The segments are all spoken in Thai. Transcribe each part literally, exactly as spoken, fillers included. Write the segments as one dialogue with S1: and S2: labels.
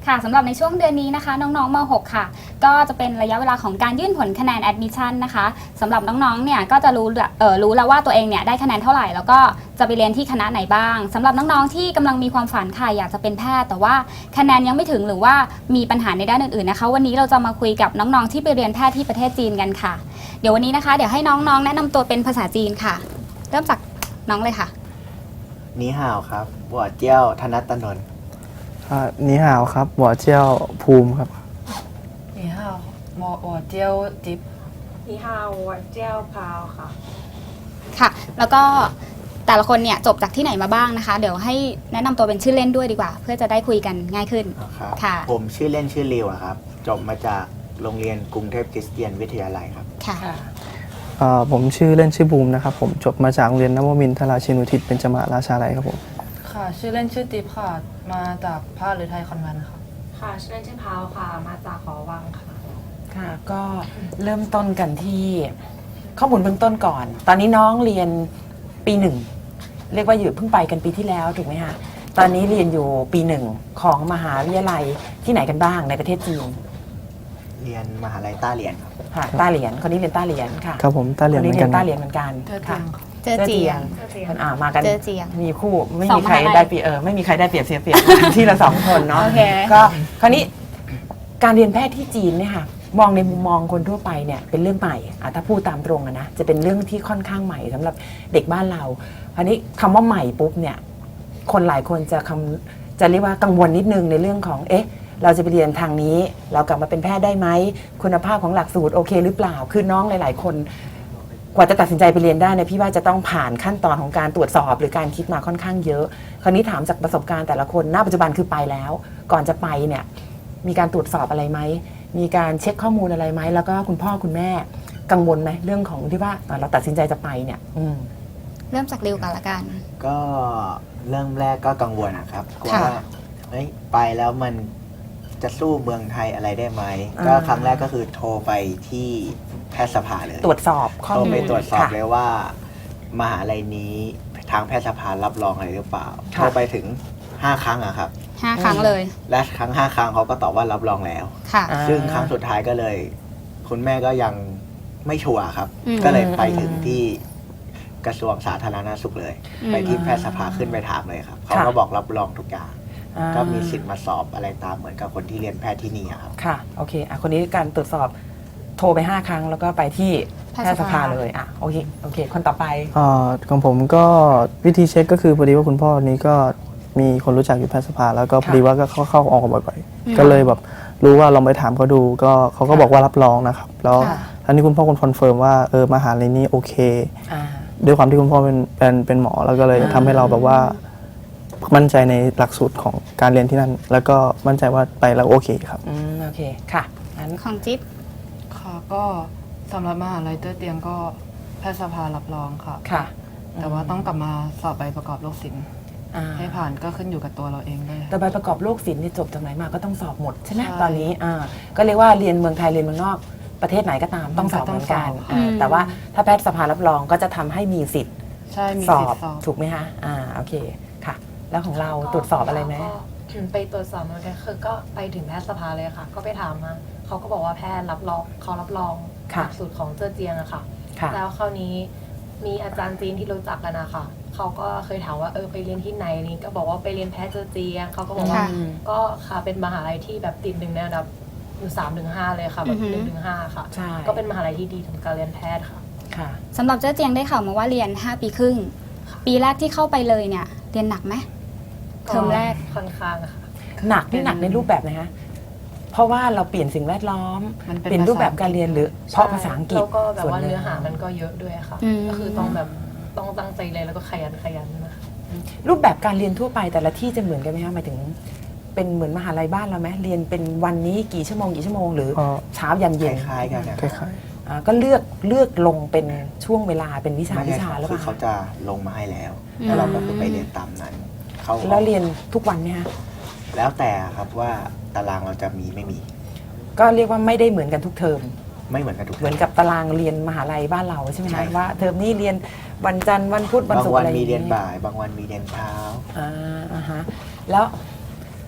S1: ค่ะสำหรับในช่วงเดือนนี้นะคะน้องๆม หก ค่ะก็จะเป็นระยะเวลาของการยื่นผลคะแนน admission นะคะสำหรับน้องๆเนี่ยก็จะรู้เอ่อรู้แล้วว่าตัวเองเนี่ยได้คะแนนเท่าไหร่แล้วก็จะไปเรียนที่คณะไหนบ้างสำหรับน้องๆที่กำลังมีความฝันค่ะอยากจะเป็นแพทย์แต่ว่าคะแนนยังไม่ถึงหรือว่ามีปัญหาในด้านอื่นๆนะคะวันนี้เราจะมาคุยกับน้องๆที่ไปเรียนแพทย์ที่ประเทศจีนกันค่ะเดี๋ยววันนี้นะคะเดี๋ยวให้น้องๆแนะนำตัวเป็นภาษาจีนค่ะเริ่มจากน้องเลยค่ะ
S2: นีห่าวครับบัวเจี้ยวธนัตตนนท์
S3: นีห่าวครับบัวเจี้ยวภูมิครับ
S4: นีห่าวหมอบัวเจี้ยวจิ๊บ
S5: นีห่าวบัวเจี้ยวพาวค่ะ
S1: ค่ะแล้วก็แต่ละคนเนี่ยจบจากที่ไหนมาบ้างนะคะเดี๋ยวให้แนะนำตัวเป็นชื่อเล่นด้วยดีกว่าเพื่อจะได้คุยกันง่ายขึ้น
S2: ค่ะผมชื่อเล่นชื่อริวครับจบมาจากโรงเรียนกรุงเทพคริสเตียนวิทยาลัยครับ
S1: ค่ะ
S3: ผมชื่อเล่นชื่อบูมนะครับผมจบมาจากโรงเรียนนวมินทราชินุทิศเบญจมาราชาลัยครับผม
S4: ค่ะชื่อเล่นชื่อติ๊บค่ะมาจากภาคหรือไทยคอนแวนต์ค่ะ
S5: ค่ะชื่อเล่นชื่อพาวค่ะมาจากหอวังค่ะ
S6: ค่ะก็เริ่มต้นกันที่ข้อมูลเบื้องต้นก่อนตอนนี้น้องเรียนปีหนึ่งเรียกว่าอยู่เพิ่งไปกันปีที่แล้วถูกไหมคะตอนนี้เรียนอยู่ปีหนึ่งของมหาวิทยาลัยที่ไหนกันบ้างในประเทศจีน
S2: เรียนมหาลัยต้าเหรียญครับ
S6: ค่ะต้าเหรียญคนนี้เรียนต้าเหรียญค่ะ
S3: ครับผมต้าเหรียญเหมือนกัน
S6: ต้าเหรียญเหมือนกันค่ะ
S1: เจอเจียง
S6: คนอ่ามากัน
S1: เจอเจียง
S6: มีคู่ไม่มีใครได้เปรียบเออไม่มีใครได้เปรียบเสียเปรียบที่ละสองคนเนาะก็คราวนี้การเรียนแพทย์ที่จีนเนี่ยค่ะมองในมุมมองคนทั่วไปเนี่ยเป็นเรื่องใหม่อ่ะถ้าพูดตามตรงอะนะจะเป็นเรื่องที่ค่อนข้างใหม่สำหรับเด็กบ้านเราคราวนี้คำว่าใหม่ปุ๊บเนี่ยคนหลายคนจะคำจะเรียกว่ากังวลนิดนึงในเรื่องของเอ๊ะเราจะไปเรียนทางนี้เรากลับมาเป็นแพทย์ได้ไหมคุณภาพของหลักสูตรโอเคหรือเปล่าคือน้องหลายๆคนกว่าจะตัดสินใจไปเรียนได้เนี่ยพี่ว่าจะต้องผ่านขั้นตอนของการตรวจสอบหรือการคิดมาค่อนข้างเยอะคราวนี้ถามจากประสบการณ์แต่ละคนณปัจจุบันคือไปแล้วก่อนจะไปเนี่ยมีการตรวจสอบอะไรไหมมีการเช็คข้อมูลอะไรไหมแล้วก็คุณพ่อคุณแม่กังวลไหมเรื่องของที่ว่าเราตัดสินใจจะไปเนี่ยอืม
S1: เริ่มจากเร็วกันละกัน
S2: ก็เริ่มแรกก็กังวลนะครับว่าเฮ้ยไปแล้วมันจะสู้เมืองไทยอะไรได้ไหมก็ครั้งแรกก็คือโทรไปที่แพทยสภาเลย
S6: ตรวจสอบข้อมูล
S2: โทรไปตรวจสอบเลยว่ามหาลัยนี้ทางแพทยสภารับรองอะไรหรือเปล่าโทรไปถึงห้าครั้งอะครับ
S1: ห้าครั้งเลย
S2: และครั้งห้าครั้งเขาก็ตอบว่ารับรองแล้ว
S1: ค่ะ
S2: ซึ่งครั้งสุดท้ายก็เลยคุณแม่ก็ยังไม่ชัวร์ครับก็เลยไปถึงที่กระทรวงสาธารณสุขเลยไปที่แพทยสภาขึ้นไปถามเลยครับเขาก็บอกรับรองทุกอย่างก็มีสิทธิ์มาสอบอะไรตามเหมือนกับคนที่เรียนแพทย์ที่นี่ครับ
S6: ค่ะโอเคอ่ะคนนี้การตรวจสอบโทรไปห้าครั้งแล้วก็ไปที่แพทยสภาเลยอ่ะโอเคโอเคคนต่อไป
S3: อ่าของผมก็วิธีเช็คก็คือพอดีว่าคุณพ่อนี้ก็มีคนรู้จักอยู่แพทยสภาแล้วก็พอดีว่าก็เข้าเข้าออกบ่อยๆก็เลยแบบรู้ว่าลองไปถามเขาดูก็เขาก็บอกว่ารับรองนะครับแล้วอันนี้คุณพ่อคอนเฟิร์มว่าเออมหาลัยนี้โอเคด้วยความที่คุณพ่อเป็นเป็นเป็นหมอแล้วก็เลยทำให้เราแบบว่ามั่นใจในหลักสูตรของการเรียนที่นั่นแล้วก็มั่นใจว่าไปแล้วโอเคครับ
S6: อืมโอเคค่ะ
S1: งั้นของจิ๊บ
S4: ค่ะก็สำหรับมหาลัยเต้อเตียงก็แพทยสภารับรองค่ะ
S6: ค่ะ
S4: แต่ว่าต้องกลับมาสอบใบประกอบโรคศิลป์ให้ผ่านก็ขึ้นอยู่กับตัวเราเองด้วย
S6: แต่ใบประกอบโรคศิลป์นี่จบจากไหนมาก็ต้องสอบหมดใช่ไหมตอนนี้อ่าก็เรียกว่าเรียนเมืองไทยเรียนเมืองนอกประเทศไหนก็ตามต้องสอบเหมือนกันแต่ว่าถ้าแพทยสภารับรองก็จะทำให้มีสิทธิ์สอบถูกไหมคะอ่าโอเคค่ะแล้วของเราตรวจสอบอะไรไหม
S5: ไปตรวจสอบเหมือนกันคือก็ไปถึงแพทยสภาเลยค่ะก็ไปถามมาเขาก็บอกว่าแพทย์รับรองเขารับรองหลักสูตรของเจ้อเจียงอะค่ะแล้วคราวนี้มีอาจารย์จีนที่รู้จักกันนะคะเขาก็เคยถามว่าเออไปเรียนที่ไหนนี่ก็บอกว่าไปเรียนแพทย์เจ้อเจียงเขาก็บอกว่าก็ค่ะเป็นมหาลัยที่แบบติดหนึ่งในอันดับอยู่สามถึงห้าเลยค่ะแบบหนึ่งถึงห้าค่ะก็เป็นมหาลัยที่ดีสำหรับการเรียนแพทย์ค่ะ
S1: ค่ะสำหรับเจ้อเจียงได้ข่าวมาว่าเรียนห้าปีครึ่งปีแรกที่เข้าไปเลยเนี่ยเรียนหนักไหมเทอมแรก
S5: ค่อนข้างค่ะ
S6: หนักนี่หนักในรูปแบบไหนคะเพราะว่าเราเปลี่ยนสิ่งแวดล้อมเปลี่ยนรูปแบบการเรียนหรือเพราะภาษาอังกฤษ
S5: แล้วก็แบบว่าเนื้อหามันก็เยอะด้วยค่ะก็คือต้องแบบต้องตั้งใจเลยแล้วก็ขยันขยันนะคะ
S6: รูปแบบการเรียนทั่วไปแต่ละที่จะเหมือนกันไหมคะหมายถึงเป็นเหมือนมหาลัยบ้านเราไหมเรียนเป็นวันนี้กี่ชั่วโมงกี่ชั่วโมงหรือเช้ายันเย็น
S2: คล้ายๆกัน
S3: คล้าย
S6: ๆก็เลือกเลือกลงเป็นช่วงเวลาเป็นวิชาวิชาแล้ว
S2: คือเขาจะลงมาให้แล้วแล้วเราก็คือไปเรียนตามนั้น
S6: แล้วเรียนทุกวันไหมคะ
S2: แล้วแต่ครับว่าตารางเราจะมีไม่มี
S6: ก็เรียกว่าไม่ได้เหมือนกันทุกเทอม
S2: ไม่เหมือนกันทุก
S6: เหมือนกับตารางเรียนมหาลัยบ้านเราใช่ไหมคะว่าเทอมนี้เรียนวันจันทร์วันพุธวันศุกร์อะไร
S2: บางวันมีเรียนบ่ายบางวันมีเรียนเช้า
S6: อ่าอ่าฮะแล้ว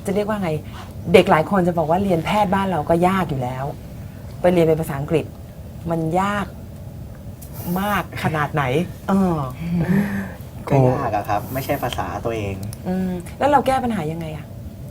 S6: จะเรียกว่าไง เด็กหลายคนจะบอกว่าเรียนแพทย์บ้านเราก็ยากอยู่แล้ว ไปเรียนเป็นภาษาอังกฤษ มันยากมากขนาดไหนเออ
S2: ก็ยากอะครับ ไม่ใช่ภาษาตัวเอง
S6: อืมแล้วเราแก้ปัญหายังไงอะ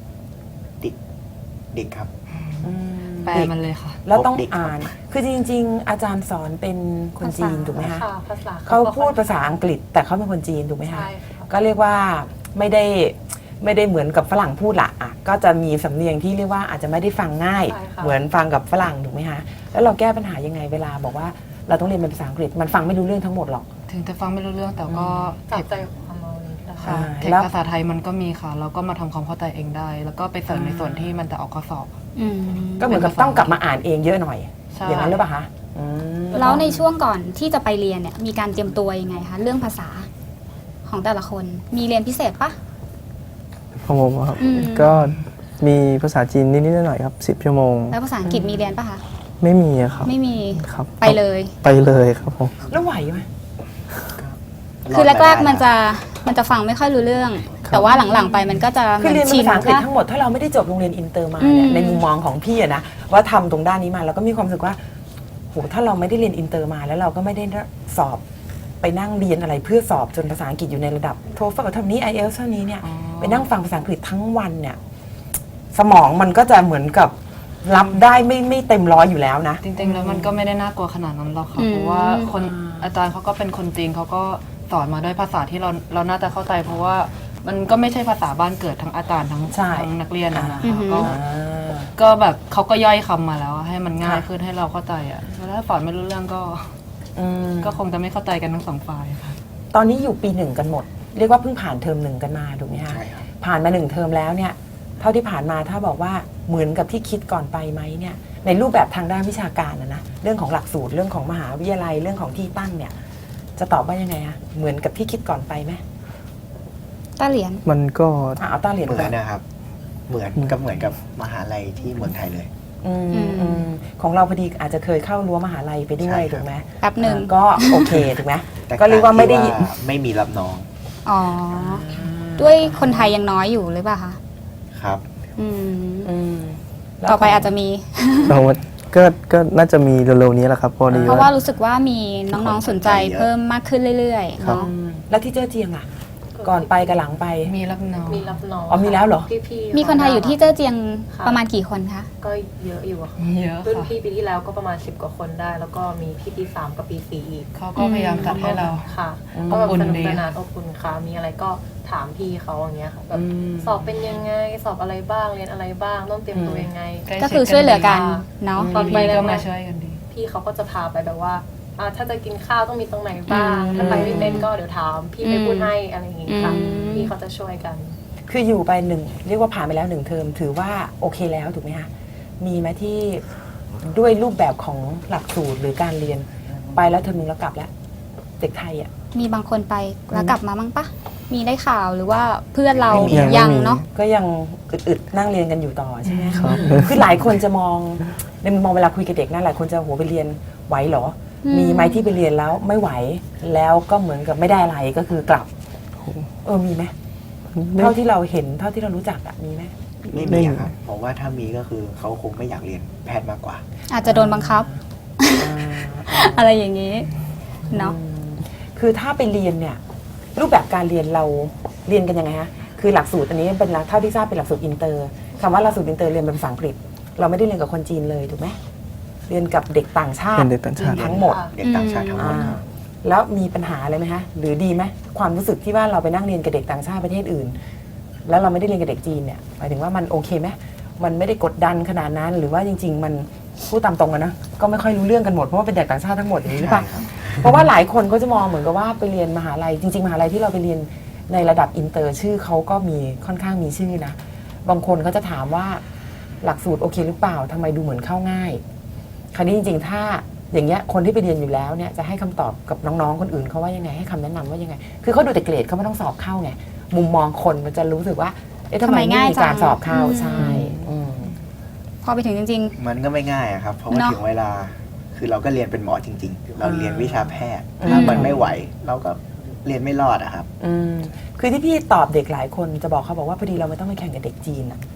S2: ดิกครับ
S6: อืม
S4: แปลมันเลยค่ะ
S6: แล้วต้อง
S2: พบเด็กครับ
S6: อ่าน คือจริง ๆ อาจารย์สอนเป็นคนจีนถูกไหมคะ
S5: ค่ะภาษา
S6: เขาพูดภาษาอังกฤษ แต่เขาเป็นคนจีนถูกไหมคะ
S5: ใช่ค่ะ
S6: ก็เรียกว่าไม่ได้ไม่ได้เหมือนกับฝรั่งพูดละอ่ะก็จะมีสำเนียงที่เรียกว่าอาจจะไม่ได้ฟังง่าย
S5: ใช่ค่ะ
S6: เหมือนฟังกับฝรั่งถูกไหมคะแล้วเราแก้ปัญหายังไงเวลาบอกว่าเราต้องเรียนเป็นภาษาอังกฤษมันฟังไม่รู้เรื่องทั้งหมดหรอก
S4: ถึงจะฟังไม่รู้เรื่องแต่ก็
S5: จั
S4: เท
S5: บ
S4: ค
S5: ใจความเอานี้ได้
S6: ใช่
S4: เทค
S6: แล้ว
S4: ภาษาไทยมันก็มีค่ะแล้วก็มาทำความเข้าใจเองได้ แล้วก็ไปเสริมในส่วนที่มันจะออกข้อสอบ
S1: อืม
S6: ก็เหมือนกับต้องกลับมาอ่านเองเยอะหน่อย
S4: ใช่
S6: อย่างนั้นหรือเปล่าคะอืม
S1: แล้วในช่วงก่อนที่จะไปเรียนเนี่ยมีการเตรียมตัวยังไงคะเรื่องภาษาของแต่ละคนมีเรียนพิเศษปะ
S3: ของผมอะครับ
S1: อืม
S3: ก็มีภาษาจีนนิดๆหน่อยๆครับสิบชั่วโมง
S1: แล้วภาษาอังกฤษมีเรียนปะคะ
S3: ไม่มีอะครับ
S1: ไม่มี
S3: ครับ
S1: ไปเลย
S3: ไปเลยครับผม
S6: แล้วไหวไหม
S1: คือแรกๆมันจะมันจะฟังไม่ค่อยรู้เรื่อง แต่ว่าหลังๆไปมันก็จะ
S6: คือเรียน
S1: ชิ
S6: ภาษาอังกฤษ
S1: ว่า
S6: ทั้งหมดถ้าเราไม่ได้จบโรงเรียนอินเตอร์มา
S1: อื
S6: เนี่ย
S1: ม
S6: ในมุมมองของพี่อะนะว่าทำตรงด้านนี้มาเราก็มีความรู้สึกว่าโหถ้าเราไม่ได้เรียนอินเตอร์มาแล้วเราก็ไม่ได้สอบไปนั่งเรียนอะไรเพื่อสอบจนภาษาอังกฤษอยู่ในระดับโทเฟลเท่านี้ ไอ เอล เท่านี้เนี่ย
S4: อ๋อ
S6: ไปนั่งฟังภาษาอังกฤษทั้งวันเนี่ยสมองมันก็จะเหมือนกับรับได้ไม่ไม่เต็มร้อยอยู่แล้วนะ
S4: จริงๆแล้วมันก็ไม่ได้น่ากลัวขนาดนั้นหรอกค่ะ
S1: อืม
S4: เพราะว่าคนอาจารย์เขาก็เป็นคนจีนเขาก็สอนมาด้วยภาษาที่เราเราน่าจะเข้าใจ เพราะว่ามันก็ไม่ใช่ภาษาบ้านเกิดทั้งอาจารย์ทั้ง
S6: ใช่
S4: ทั้งนักเรียนอะนะ
S1: อือ
S4: คะ
S1: หือ
S4: ก็
S6: อ่า
S4: ก็แบบเขาก็ย่อยคำมาแล้วให้มันง่าย
S6: ค่ะ
S4: ขึ้นให้เราเข้าใจอ่ะแล้วถ้าสอนไม่รู้เรื่องก็
S6: อืม
S4: ก็คงจะไม่เข้าใจกันทั้งสองฝ่ายค่ะ
S6: ตอนนี้อยู่ปีหนึ่งกันหมด เรียกว่าเพิ่งผ่านเทอมหนึ่งกันมาถูกไหมคะ
S2: ใช่ครับ
S6: ผ่านมาหนึ่งเทอมแล้วเนี่ย เท่าที่ผ่านมาถ้าบอกว่าเหมือนกับที่คิดก่อนไปไหมเนี่ย ในรูปแบบทางด้านวิชาการนะนะเรื่องของหลักสูตรเรื่องของมหาวิทยาลัยเรื่องของที่ตั้งเนี่ย จะตอบว่ายังไงคะเหมือนกับที่คิดก่อนไปไหม
S1: ต้าเหรียญ
S3: มันก็
S6: อ่ะเอาต้าเหรียญ
S2: เหมื
S6: ก่
S2: อ
S6: อน น
S2: นะครับ เหมือนกับเหมือนกับมหาลัยที่เมืองไทยเลย
S6: อืม
S1: อืม
S6: อืมของเราพอดีอาจจะเคยเข้ารั้วมหาลัยไปด้ว
S2: ใช่
S6: ย
S2: ครับ
S6: ถูกไหม
S1: แป๊บหนึ่ง
S6: อ่าก็โอเคถูกไหม
S2: แต่
S6: ก็เรียกว่าไม่ได้
S2: ที่ไม่มีรับน้อง
S1: อ๋อ ด้วยคนไทยยังน้อยอยู่หรือเปล่าคะ
S2: ครับ
S1: อืม
S6: อืมแล้ว
S1: ต่อไป
S6: ขง
S1: อาจจะมี
S3: เราก็ก็น่าจะมีเร็วๆนี้แหละครับพอดี
S1: เพราะว่า
S3: ว่า
S1: รู้สึกว่ามีน้องๆสนใจเพิ่มมากขึ้นเรื่อยๆ
S3: ครับ
S1: เนาะ
S6: อืมแล้วที่เจ้อเจียงอ่ะ ก่อนไปกับหลังไป
S4: มีรับน้อง
S5: มีรับน้อง
S6: อ๋อมีแล้วเหรอ
S5: พี่ๆ
S1: มีคนไทยอยู่ที่เจ้อเจียง
S5: ค่ะ
S1: ประมาณกี่คนคะ
S5: ก็เยอะอยู่อะค่ะ
S4: เยอะ
S5: รุ่น
S4: ค่ะ
S5: พี่ปีที่แล้วก็ประมาณสิบกว่าคนได้ แล้วก็มีพี่ปีสามกับปีสี่อีก
S4: เขาก็พยายามจัดให้เรา
S5: ค่ะ
S6: อืม
S5: ก็แบบ
S4: อบอุ่น
S5: สนุก
S4: ดี
S5: สนานอบอุ่นค่ะมีอะไรก็ถามพี่เขาอย่างเงี้ยค่ะแบบ
S6: อืม
S5: สอบเป็นยังไงสอบอะไรบ้างเรียนอะไรบ้างต้องเตรียมตัวยังไง
S4: ใล้
S1: ก็คือช่วยเหลือกันเนาะ
S5: ตอนไป
S4: พี่
S5: แร
S4: ก็
S5: กๆ
S4: มาช่วยกันดี
S5: พี่เขาก็จะพาไปแบบว่าอ่าถ้าจะกินข้าวต้องมีตรงไหนบ้าง
S1: อืม
S5: ถ้าไปไม่เป็นก็เดี๋ยวถามพี่ไปพูดให้อะไรอย่างงี้ค่ะ
S1: อืม
S5: พี่เขาจะช่วยกัน
S6: คืออยู่ไปหนึ่งเรียกว่าผ่านไปแล้วหนึ่งเทอมถือว่าโอเคแล้วถูกไหมคะมีไหมที่ด้วยรูปแบบของหลักสูตรหรือการเรียนไปแล้วเทอมหนึงแล้วกลับแล้ว เด็กไทยอ่ะ
S1: มีบางคนไปแล้วกลับมาบ้างปะมีได้ข่าวหรือว่าเพื่อนเรา
S3: ไม่มียังไม่
S1: ยัง
S3: มี
S1: เนาะ
S6: ก็ยังอึดๆนั่งเรียนกันอยู่ต่อใช่ไหม
S3: ครับ
S6: คือหลายคนจะมองในมุมมองเวลาคุยกับเด็กนะหลายคนจะโหไปเรียนไหวเหรอ
S1: อืม
S6: มีไหมที่ไปเรียนแล้วไม่ไหวแล้วก็เหมือนกับไม่ได้อะไรก็คือกลับเออมีไหม
S3: ไม่
S6: เท่าที่เราเห็นเท่าที่เรารู้จักอะมีไหม
S2: ไม่
S3: ไม่
S2: มี
S3: มี
S2: อะครับผมว่าถ้ามีก็คือเขาคงไม่อยากเรียนแพทย์มากกว่า
S1: อาจจะโดนบังคับ อะไรอย่างนี้เนาะ
S6: อืมคือถ้าไปเรียนเนี่ยรูปแบบการเรียนเราเรียนกันยังไงฮะคือหลักสูตรอันนี้เป็นหลักเท่าที่ทราบเป็นหลักสูตรอินเตอร์คำว่าหลักสูตรอินเตอร์เรียนเป็นภาษาอังกฤษ เราไม่ได้เรียนกับคนจีนเลยถูกไหมเรียนกับเด็กต่างชาติ
S3: เป็นเด็กต่างชาติ
S6: ทั้งหมด
S5: ค่ะ
S2: เด็กต่างชาติทั้งหมด
S6: อ่าแล้วมีปัญหาอะไรไหมฮะหรือดีไหมความรู้สึกที่ว่าเราไปนั่งเรียนกับเด็กต่างชาติประเทศอื่น แล้วเราไม่ได้เรียนกับเด็กจีนเนี่ยหมายถึงว่ามันโอเคไหมมันไม่ได้กดดันขนาดนั้น หรือว่าจริง ๆ มันพูดตามตรงกันนะก็ไม่ค่อยรู้เรื่องกันหมดเพราะว่าเป็นเด็กต่างชาติทั้งหมดอย่างนี้หรือเปล่า
S2: ใช่ครับ
S6: เพราะว่าหลายคนก็จะมองเหมือนกับว่าไปเรียนมหาลัยจริง ๆ มหาลัยที่เราไปเรียนในระดับอินเตอร์ชื่อเขาก็มีค่อนข้างมีชื่อนะบางคนก็จะถามว่าหลักสูตรโอเคหรือเปล่าทำไมดูเหมือนเข้าง่าย คราวนี้จริงๆ ถ้าอย่างเงี้ยคนที่ไปเรียนอยู่แล้วเนี่ยจะให้คำตอบกับน้องๆ คนอื่นเขาว่ายังไงให้คำแนะนำว่ายังไง คือเขาดูแต่เกรดเขาไม่ต้องสอบเข้าไงมุมมองคนมันจะรู้สึกว่าเอ๊ะทำไม
S1: ทำไม
S6: ไม่
S1: ง่าย
S6: มีการ
S1: จัง
S6: สอบเข้า
S1: อืม
S6: ใช่อืม
S1: พอไปถึงจริง
S2: มันก็ไม่ง่ายอะครับ เพราะว่า
S1: เนอะ
S2: ถึงเวลา คือเราก็เรียนเป็นหมอจริง ๆ เราเรียนวิชาแพทย์
S6: อืม
S2: ถ้ามันไม่ไหว เราก็เรียนไม่รอดอะครับ
S6: อืมคือที่พี่ตอบเด็กหลายคนจะบอกเขาบอกว่าพอดีเราไม่ต้องไปแข่งกับเด็กจีนอะ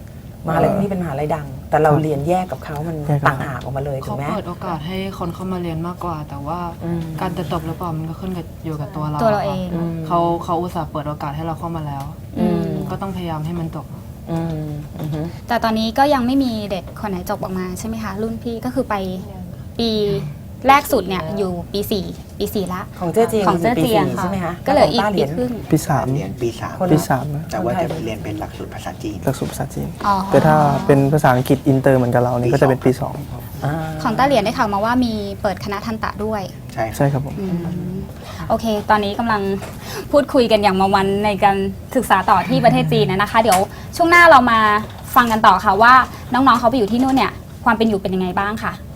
S6: มหาลัยพวกนี้เป็นมหาลัยดัง แต่เราเรียนแยกกับเขามัน
S3: แยกกับ
S6: ต่างหากออกมาเลยถู
S4: เขา
S6: กไหม
S4: เปิดโอกาสให้คนเข้ามาเรียนมากกว่า แต่ว่า
S6: อืม
S4: การจะจบหรือเปล่ามันก็ขึ้นกับอยู่กับตัวเรา
S1: ตัวเราเอง
S6: อืม
S4: เขาเขาอุตส่าห์เปิดโอกาสให้เราเข้ามาแล้ว
S6: อืม
S4: ก็ต้องพยายามให้มันจบ
S6: อืมอือฮึ
S1: แต่ตอนนี้ก็ยังไม่มีเด็กคนไหนจบออกมาใช่ไหมคะ รุ่นพี่ก็คือไปปีแรกสุดเนี่ยอยู่ปีสี่ปีสี่ละ
S6: ของเจ้าเจียง
S1: ของเจ้า
S6: ปี
S1: เจียง
S6: สี่
S1: ค่ะ
S6: ใช่ไหมคะ
S1: ก็เหลืออีก
S6: ต้า
S1: ปี
S6: รียน
S1: ครึ่ง
S3: ปีสาม
S2: เรียนปีสาม
S6: คน
S3: ปีสามนะ
S2: แต่ว่าจะเรียนเป็นหลักสูตรภาษาจีน
S3: หลักสูตรภาษาจีน
S1: อ๋อ
S3: แต่ถ้าเป็นภาษาอังกฤษอินเตอร์เหมือนกับเรานี่ก็จะเป็นปีสอง
S6: อ่า
S1: ของต้าเหรียญได้ข่าวมาว่ามีเปิดคณะทันตะด้วย
S2: ใช่ครับ
S3: ใช่ครับผม
S1: อืมโอเค ตอนนี้กำลังพูดคุยกันอย่างมาวันในการศึกษาต่อที่ประเทศจีนนะคะ เดี๋ยวช่วงหน้าเรามาฟังกันต่อค่ะว่าน้องๆเขาไปอยู่ที่นู่นเนี่ยความเป็นอยู่เป็นยังไงบ้างค่ะ